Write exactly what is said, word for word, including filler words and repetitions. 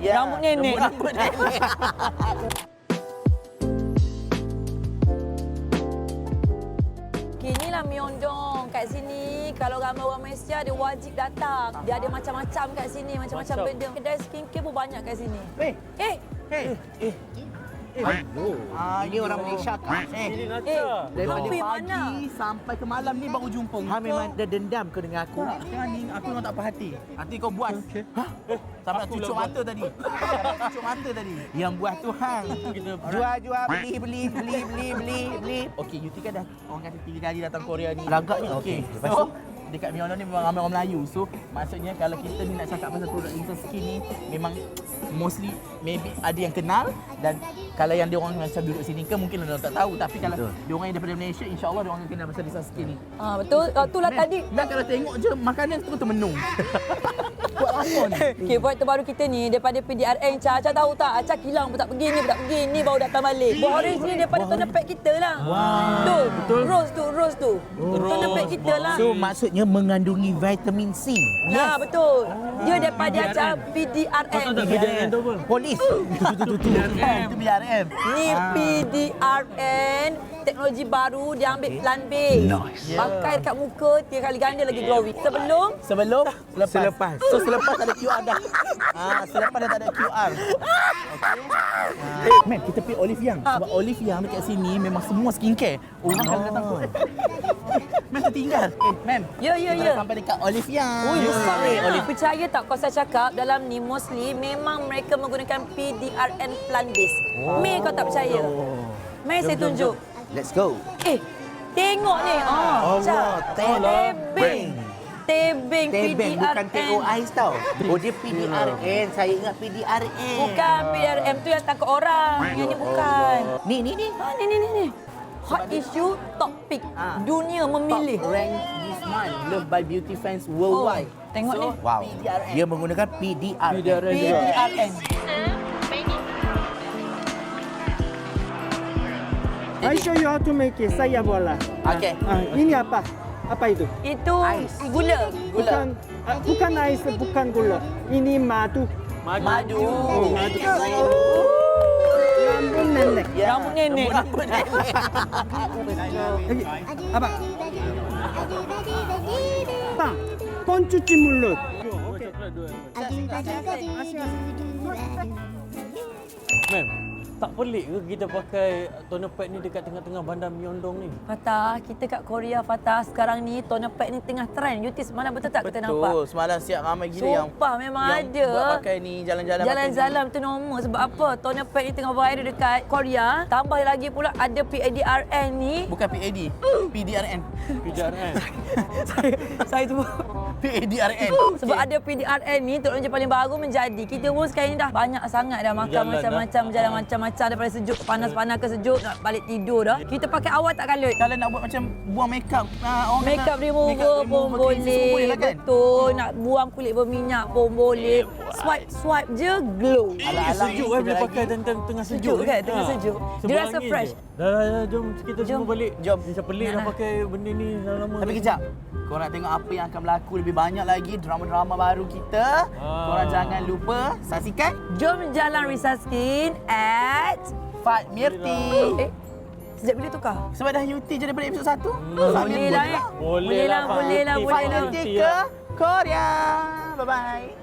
Yeah. Rambut nenek. Rambut nenek. Inilah Myeongdong kat sini. Kalau ramai orang Malaysia, dia wajib datang. Dia ada macam-macam kat sini, macam-macam benda. Kedai skincare pun banyak kat sini. Eh, Eh, eh, eh. Ah, ini orang Malaysia kan? Eh, eh, daripada kopi pagi mana? sampai ke malam ni baru jumpa. Ha memang dah dendam ke dengan aku? Tak, jangan ni aku memang tak puas hati. Nanti kau buat. Okay. Ha? Sampai nak cucuk mata tadi. Sampai cucuk mata tadi. Yang buat tu hang. Jual jual beli beli beli beli beli beli. Okey, Yuti kan dah orang kata tiga kali datang Korea ni. Lagaknya okey. Lepas tu dekat Myeongdong ni memang ramai orang Melayu. So maksudnya kalau kita ni nak cakap pasal produk Insta Skin ni memang mostly maybe ada yang kenal dan kalau yang dia orang macam duduk sini ke mungkin orang tak tahu tapi kalau dia orang yang daripada Malaysia insya-Allah dia orang akan kenal pasal Insta Skin ni. Ah, betul. Oh, itulah tadi. Dan kalau tengok je makanan tu termenung. Buat apa ni? Okey, buat terbaru kita ni daripada P D R N. Ca, Ca tahu tak? Aca kilang pun tak pergi ni, pun tak pergi ni baru datang balik. Buah orange ni daripada toner pack kita lah. Wow. Tu, betul. Rose tu, rose tu. Oh. Toner pack kita lah. So maksudnya mengandungi vitamin C. Ya, betul. Dia daripada Aca P D R N. P D R N tu apa? Polis. Itu P D R M. Ni P D R N, teknologi baru dia ambil plant base. Nice. Pakai dekat muka tiga kali ganda lagi glowing. Sebelum Sebelum, selepas. Selepas. So selepas ada Q R dah. Ah, selepas dah tak ada Q R. Okey. Ah. Man, kita pergi Olive Young. Sebab Olive Young dekat sini memang semua skincare. Orang kalau datang tu. Man tertinggal. Eh, man. Ya, ya, kita ya. dah sampai dekat Olive Young. Oh, ya, Olive. Olive. Percaya tak kalau saya cakap dalam ni mostly memang mereka menggunakan P D R N plant base. Oh. Mei kau tak percaya? Mei saya tunjuk. Let's go. Eh, tengok ni. Ah, Allah, tebing. Tebing P D Tebeng R N. bukan T O I tau. Oh dia P D R N. Saya ingat P D R N. Bukan P D R N tu yang takut orang. Yang ni bukan. Ni ni ni. Ha, ni ni ni ni. Hot issue topik Ah. dunia memilih. Top rank this month, loved by beauty fans worldwide. Oh, tengok so, ni. Wow. P D R N. Dia menggunakan P D R N. P D R N. P D R N. I show you how to make it. Saya bola. Okay. Ah, ini apa? Apa itu? Itu Ais. gula. Bukan ah, bukan ais, bukan gula. Ini madu. Madu. Oh, madu. Rambut nenek. Ya. Rambut nenek. Rambut nenek. Lagi. Apa? Bang, pencuci mulut. Mem, tak pelik ke kita pakai toner pack ni dekat tengah-tengah bandar Myeongdong ni? Fatah, kita kat Korea, Fatah. Sekarang ni toner pack ni tengah trend. Yuti semalam betul tak kita nampak? Betul. Semalam siap ramai gila yang Sumpah memang yang ada. buat pakai ni jalan-jalan. Jalan-jalan tu normal. Sebab apa? Toner pack ni tengah viral dekat Korea. Tambah lagi pula ada P D R N ni. Bukan P A D. P D R N. P D R N. saya saya tu P A D R N. sebab ada P D R N ni teknologi paling baru menjadi. Kita pun sekarang ni dah banyak sangat dah makan Jalan macam-macam, jalan macam-macam daripada sejuk ke panas-panas ke sejuk nak balik tidur dah. Kita pakai awal tak kalut. Kalau nak buat macam buang makeup, uh, orang Make up kata remover makeup pun remover, cleanser semua boleh. lah kan? Betul. Nak buang kulit berminyak pun boleh. Swipe swipe je glow. Alang-alang Sejuk ni kan sekejap bila lagi. pakai tengah, tengah sejuk. Sejuk kan? Tengah Ha. sejuk. Dia Sebelah rasa angin fresh. je. Dah, dah, dah, jom kita Jom. semua balik. Jom. Macam pelik Nah, dah nah. pakai benda ni dah lama. Tapi kejap, korang nak tengok apa yang akan berlaku lebih banyak lagi drama-drama baru kita. Ah. Korang jangan lupa saksikan Jom jalan Risa Skin at Fat Mirti. eh sejak bila tukar? Sebab dah Yuti je daripada episod satu. Boleh lah eh. Boleh Boleh lah, lah, Fat boleh lah, Mirti. boleh Fat lah. Mirti ke Korea. Bye-bye.